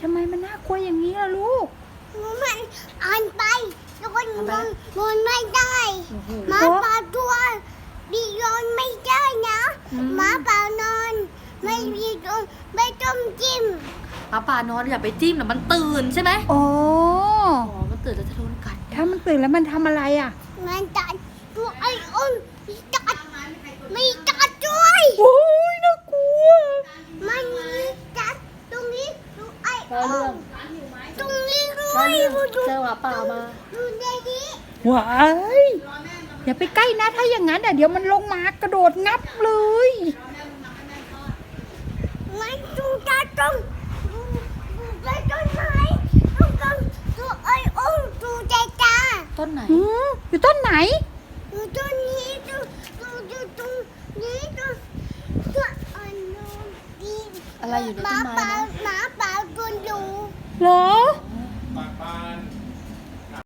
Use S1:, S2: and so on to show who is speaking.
S1: ทำไมมันน่ากลัวอย่างนี้ล่ะลูก
S2: มันอ่านไปแล้วก็นอนไม่ได้หมาป่าตัวดีนอนไม่ได้นะหมาป่านอนไม่มีต้องไม่ต้องจิ้ม
S3: หมาป่านอนอย่าไปจิ้มนะมันตื่นใช่ไหม
S1: อ๋อ
S3: มันตื่นแล้วจะโดนกัด
S1: ถ้ามันตื่นแล้วมันทำอะไรอ่ะ
S2: มันจัดตัวไอ้อ้นจัดไม่จัดด้วย
S1: โอ้ยน่ากลัว
S2: มันมีจัดตรงนี้ตัวไอ้อ้นตรงนี้ด้ว
S3: แล้ว
S2: ย
S3: เรื่องเจอหมาป่ามา
S2: ดูในนี้
S1: ว้ายอย่าไปใกล้นะถ้าอย่างนั้นเดี๋ยวมันลงมากระโดดงับเลย
S2: มันดูจัดตรงดูต้นไม้ตรงตัวไอ้อ้นดูใจตา
S3: ต้นไหน
S1: อยู่ต้นไหน
S2: ดูต้นนี้ดูตรงนี้ตัวอันนู้นดี
S3: อะไรอยู่ในต้นไม้นะ
S2: หมาป่าตัวอยู่
S1: เหรอ